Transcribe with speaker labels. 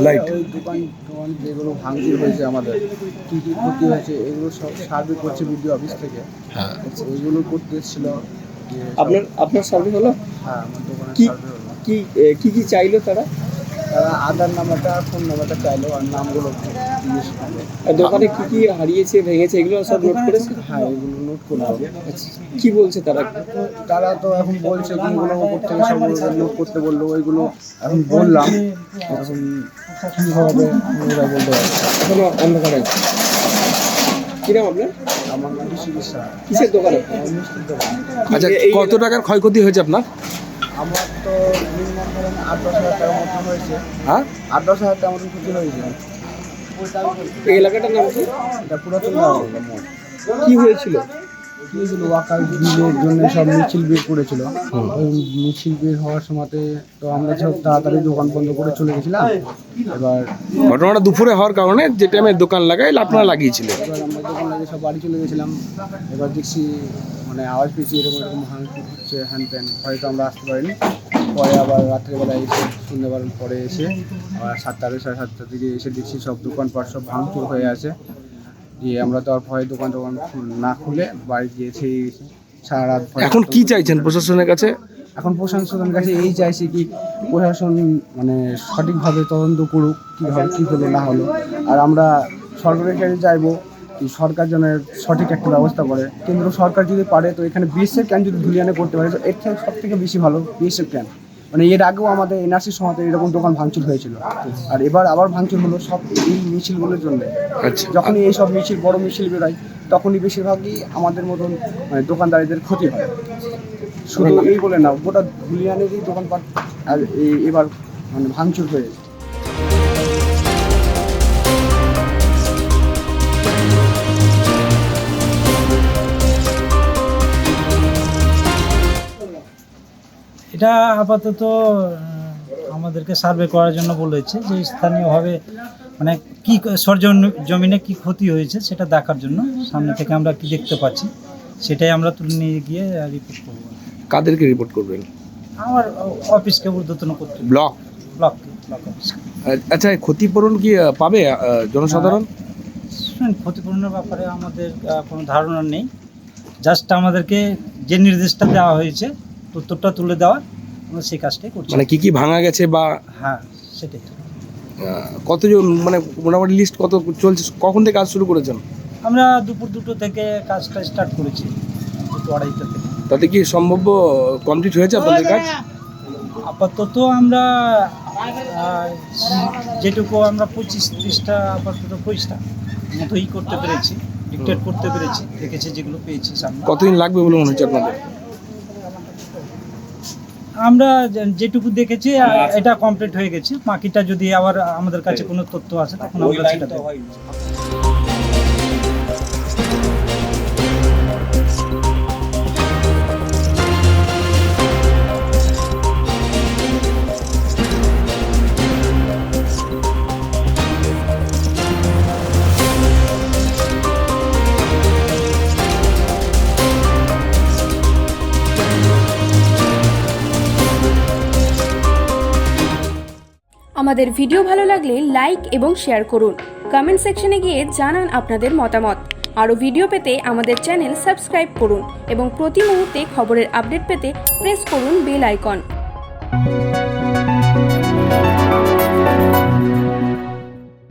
Speaker 1: Light
Speaker 2: ওই দোকান যেগুলো ভাঙচুর হয়েছে আমাদের কী কী ক্ষতি হয়েছে এগুলো সব সার্ভে করছে বিডিও অফিস থেকে।
Speaker 1: হ্যাঁ
Speaker 2: এইগুলো করতে এসেছিল।
Speaker 3: আপনার সার্ভে হলো?
Speaker 2: হ্যাঁ, আমার দোকানের
Speaker 3: কি
Speaker 2: সার্ভে হলো।
Speaker 3: কি চাইলো তারা?
Speaker 2: তারা আধার নাম্বারটা আর ফোন নাম্বারটা চাইলো আর নামগুলো জিজ্ঞেস করলো।
Speaker 3: আর দোকানে কি হারিয়েছে ভেঙেছে এগুলো সব নোট করেছে?
Speaker 2: হ্যাঁ, এগুলো নোট করলো।
Speaker 3: আচ্ছা, কি বলছে তারা?
Speaker 2: তারা তো এখন বলছে কোনগুলো উপর থেকে সবগুলো নোট করতে বললো, ওইগুলো এখন বললাম। এখন কী হবে ওরা বলতে পারছে।
Speaker 3: এখনো অন্ধকারে আছে। কি নাম আপনার?
Speaker 2: আমার নাম চিকিৎসা।
Speaker 3: কিসের দোকানে?
Speaker 2: মিষ্টির দোকান।
Speaker 1: আচ্ছা, কত টাকার ক্ষয়ক্ষতি হয়েছে আপনার?
Speaker 2: আমার তো মিনিমাম ধরেন 8-10 হাজার টাকার মতন হয়েছে।
Speaker 1: হ্যাঁ,
Speaker 2: 8-10 হাজার টাকার মতন ক্ষতি হয়েছে।
Speaker 3: এই এলাকাটার নাম কি?
Speaker 2: এটা পুরাতন মোড়।
Speaker 3: কি হয়েছিল?
Speaker 2: কী হয়েছিল, ওয়াকার বিলের জন্য সব মিছিল বের করেছিল। ওই মিছিল বের হওয়ার সময়তে তো আমরা সব তাড়াতাড়ি দোকান বন্ধ করে চলে গেছিলাম। এবার
Speaker 1: ঘটনাটা দুপুরে হওয়ার কারণে যে টাইমে দোকান লাগাই আপনারা লাগিয়েছিলেন।
Speaker 2: আমরা দোকান লাগিয়ে সব বাড়ি চলে গেছিলাম। এবার দেখছি মানে আওয়াজ পেয়েছি এরকম ভাঙচুর হচ্ছে, হ্যান ত্যান। হয়তো আমরা আসতে পারিনি। পরে আবার রাত্রেবেলায় এসে সন্ধ্যাবেলার পরে এসে আবার 7টা 7:30 দিকে এসে দেখছি সব দোকানপাট সব ভাঙচুর হয়ে আছে। দিয়ে আমরা তো আর ভয়ে দোকান না খুলে বাড়ি গিয়েছি সারা রাত।
Speaker 1: এখন কি চাইছেন প্রশাসনের কাছে?
Speaker 2: এখন প্রশাসনের কাছে এই চাইছি কি প্রশাসন মানে সঠিকভাবে তদন্ত করুক কীভাবে কী হলো না হলো। আর আমরা সরকারের কাছে চাইবো কি সরকার যেন সঠিক একটা ব্যবস্থা করে। কেন্দ্র সরকার যদি পারে তো এখানে বিএসএফ ক্যাম্প যদি ধুলিয়ানে করতে পারে তো এর থেকে সব থেকে বেশি ভালো বিএসএফ ক্যাম্প। মানে এর আগেও আমাদের এনআরসির সময়তে এরকম দোকান ভাঙচুর হয়েছিল, আর এবার আবার ভাঙচুর হলো সব এই মিছিলগুলোর জন্য।
Speaker 1: আচ্ছা,
Speaker 2: যখনই এই সব মিছিল বড় মিছিল বেরোয় তখনই বেশিরভাগই আমাদের মতন মানে দোকানদারিদের ক্ষতি হয়। শুধু এই বলে না, গোটা ধুলিয়ানেরই দোকানপাট আর এবার মানে ভাঙচুর হয়েছে।
Speaker 4: এটা আপাতত আমাদেরকে সার্ভে করার জন্য বলেছে যে স্থানীয়ভাবে মানে কি জমিনে কি ক্ষতি হয়েছে সেটা দেখার জন্য। সামনে থেকে আমরা কি দেখতে পাচ্ছি সেটাই আমরা তুলে নিয়ে গিয়ে রিপোর্ট করব।
Speaker 1: কাদেরকে রিপোর্ট করবেন?
Speaker 4: আমার অফিসকে ঊর্ধ্বতন করতে
Speaker 1: ব্লক
Speaker 4: অফিসকে।
Speaker 1: আচ্ছা, ক্ষতিপূরণ কি পাবে জনসাধারণ?
Speaker 4: শুনুন, ক্ষতিপূরণের ব্যাপারে আমাদের কোনো ধারণা নেই। জাস্ট আমাদেরকে যে নির্দেশটা দেওয়া হয়েছে উত্তরটা তুলে দেওয়া, আমরা সেই কাজটাই করছি।
Speaker 1: মানে কি ভাঙা গেছে বা
Speaker 4: হ্যাঁ, সেটাই।
Speaker 1: কতজন মানে মোটামুটি লিস্ট কত চলছে? কখন থেকে কাজ শুরু করেছেন?
Speaker 4: আমরা দুপুর 2টো থেকে কাজটা স্টার্ট করেছি, 2-2:30 থেকে।
Speaker 1: তাতে কি সম্ভাব্য কমপ্লিট হয়েছে আপনাদের কাজ?
Speaker 4: আপাতত আমরা যেটুকু আমরা 25-30টা আপাতত 25টা মতোই করতে পেরেছি, ডিক্টেট করতে পেরেছি, দেখেছি যেগুলো পেয়েছি সামনে।
Speaker 1: কতদিন লাগবে বলে মনে হচ্ছে আপনাদের?
Speaker 4: আমরা যেটুকু দেখেছি এটা কমপ্লিট হয়ে গেছে। বাকিটা যদি আবার আমাদের কাছে কোনো তথ্য আসে তখন আমরা সেটা দেব।
Speaker 5: আমাদের ভিডিও ভালো লাগলে লাইক এবং শেয়ার করুন। কমেন্ট সেকশনে গিয়ে জানান আপনাদের মতামত। আরও ভিডিও পেতে আমাদের চ্যানেল সাবস্ক্রাইব করুন এবং প্রতি মুহূর্তে খবরের আপডেট পেতে প্রেস করুন বেল আইকন।